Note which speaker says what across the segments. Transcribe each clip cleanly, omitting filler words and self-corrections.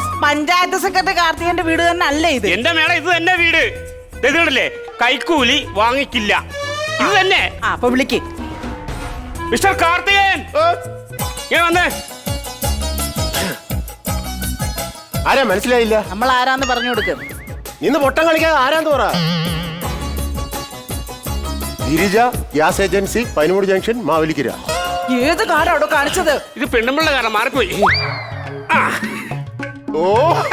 Speaker 1: Panchayat secretary കാർത്തികന്റെ വീട് തന്നെ അല്ലേ ഇത്?
Speaker 2: എന്റെ മേഡം ഇത് തന്നെ വീട്. ഇതല്ലേ കൈക്കൂലി വാങ്ങിക്കില്ല, ഇത് തന്നെ.
Speaker 1: അപ്പൊ വിളിക്ക്.
Speaker 2: മിസ്റ്റർ കാർത്തികൻ വന്നേ.
Speaker 3: ആരാ മനസ്സിലായില്ല?
Speaker 1: നമ്മൾ ആരാന്ന് പറഞ്ഞു കൊടുക്കും.
Speaker 3: ഇന്ന് പൊട്ടം കളിക്കാതെ ആരാന്ന് പറ. Girija gas agency, Painamoodu junction, Mavelikkara.
Speaker 1: ഏത് കാര്യം അവിടെ കാണിച്ചത്?
Speaker 2: ഇത് പെണ്ണുമ്പിള്ള കാരണം മാറിപ്പോയി.
Speaker 3: ഓ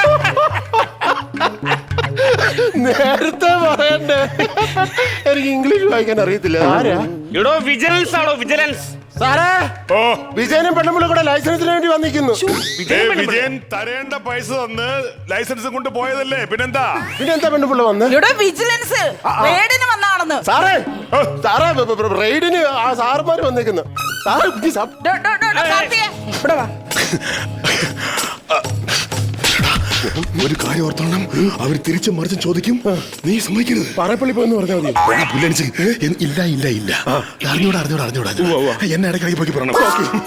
Speaker 3: നേരത്തെ പറയണ്ടേ, എനിക്ക് ഇംഗ്ലീഷ് വായിക്കാൻ അറിയത്തില്ല. ആരാ?
Speaker 2: എടോ വിജിലൻസ് ആണോ? വിജിലൻസ്
Speaker 3: സാറേ. ഓ വിജയനും പെണ്ണുമ്പിള്ള കൂടെ ലൈസൻസിന് വേണ്ടി വന്നിരിക്കുന്നു.
Speaker 4: വിജയൻ തരേണ്ട പൈസ തന്ന് ലൈസൻസ് കൊണ്ട് പോയതല്ലേ, പിന്നെന്താ
Speaker 3: പെണ്ണുപിള്ള വന്ന്?
Speaker 1: ഇവിടെ വിജിലൻസ് റെയ്ഡിന് വന്നാണെന്ന്.
Speaker 3: സാറേ സാറേ റെയ്ഡിന് ആ സാറുമാര് വന്നേക്കുന്നു. സാറ് ഇവിടെ വാ.
Speaker 4: ഒരു കാര്യം ഓർത്തോണം, അവർ തിരിച്ചും മറിച്ചും ചോദിക്കും, നീ സമ്മതിക്കരുത്.
Speaker 3: പാറപ്പള്ളി പോയെന്ന് പറഞ്ഞാൽ മതി.
Speaker 4: ഇല്ല ഇല്ല ഇല്ല, അറിഞ്ഞൂടാ എന്നെ ഇടയ്ക്കിടയ്ക്ക് പോയി പറയണം.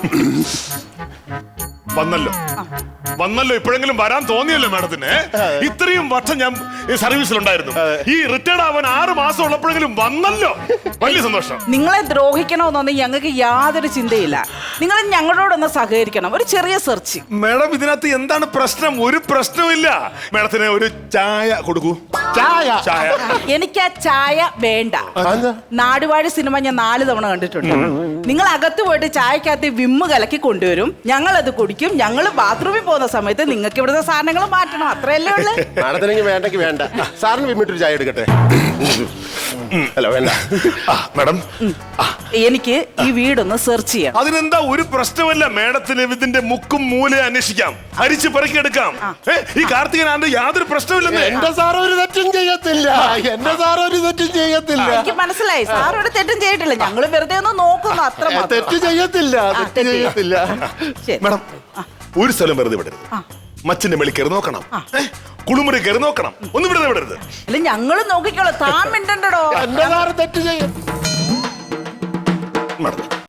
Speaker 4: വന്നല്ലോ ഇപ്പോഴെങ്കിലും വരാൻ തോന്നിയല്ലോ മാഡത്തിന്. ഇത്രയും വർഷം ഞാൻ ഈ സർവീസിലുണ്ടായിരുന്നു. ഈ റിട്ടയർഡ് ആവാൻ 6 മാസം ഉള്ളപ്പോഴെങ്കിലും വന്നല്ലോ, വലിയ സന്തോഷം.
Speaker 1: നിങ്ങളെ ദ്രോഹിക്കണമെന്നൊന്നും ഞങ്ങൾക്ക് യാതൊരു ചിന്തയില്ല. നിങ്ങൾ ഞങ്ങളോടൊന്ന് സഹകരിക്കണം. ഒരു ചെറിയ സെർച്ച്.
Speaker 4: മാഡം ഇതിനകത്ത് എന്താണ് പ്രശ്നം? ഒരു പ്രശ്നവുമില്ല. മാഡത്തിന് ഒരു ചായ കൊടുക്കൂ.
Speaker 3: ചായ?
Speaker 1: എനിക്ക് ആ ചായ വേണ്ട. നാടുവാഴി സിനിമ ഞാൻ 4 തവണ കണ്ടിട്ടുണ്ട്. നിങ്ങൾ അകത്ത് പോയിട്ട് ചായക്കകത്ത് വിമ്മ് കലക്കി കൊണ്ടുവരും, ഞങ്ങൾ അത് കുടിക്കും. ഞങ്ങൾ ബാത്റൂമിൽ പോകുന്ന സമയത്ത് നിങ്ങൾക്ക് ഇവിടുത്തെ സാധനങ്ങൾ മാറ്റണം, അത്രയല്ലേ ഉള്ളു.
Speaker 3: മാഡത്തിനെങ്കിൽ വേണ്ടെങ്കിൽ വേണ്ട. സാറിന് വിമ്മിട്ടൊരു ചായ എടുക്കട്ടെ? അല്ല വേണ്ട
Speaker 4: മാഡം.
Speaker 1: എനിക്ക് ഈ വീടൊന്ന് സെർച്ച് ചെയ്യാം.
Speaker 4: അതിനെന്താ, ഒരു പ്രശ്നമല്ല. മാഡത്തിന് ഇതിന്റെ മുക്കും മൂലയും അന്വേഷിക്കാം, അരിച്ച് പെറുക്കിയെടുക്കാം. ഈ കാർത്തികനാണ്ട് യാതൊരു പ്രശ്നമില്ലെന്ന്.
Speaker 3: എന്റെ സാർ ഒരു തെറ്റും ചെയ്യത്തില്ല.
Speaker 1: എനിക്ക് മനസ്സിലായി, സാർ ഒരു തെറ്റും ചെയ്തിട്ടില്ല. ഞങ്ങൾ വെറുതെ ഒന്ന് നോക്കുന്നു, അത്ര
Speaker 3: തെറ്റ് ചെയ്യത്തില്ല.
Speaker 4: മാഡം ഒരു സ്ഥലം വെറുതെ വിടരുത്. മച്ചിന്റെ മേളിൽ കയറി നോക്കണം, കുളിമുറി കയറി നോക്കണം, ഒന്നും ഇവിടെ വിടരുത്.
Speaker 1: അല്ല ഞങ്ങള് നോക്കിക്കോളൂ, താൻ മിണ്ടണ്ടോ.
Speaker 3: എന്റെ സാറ് തെറ്റ് ചെയ്യും.
Speaker 4: മാഡം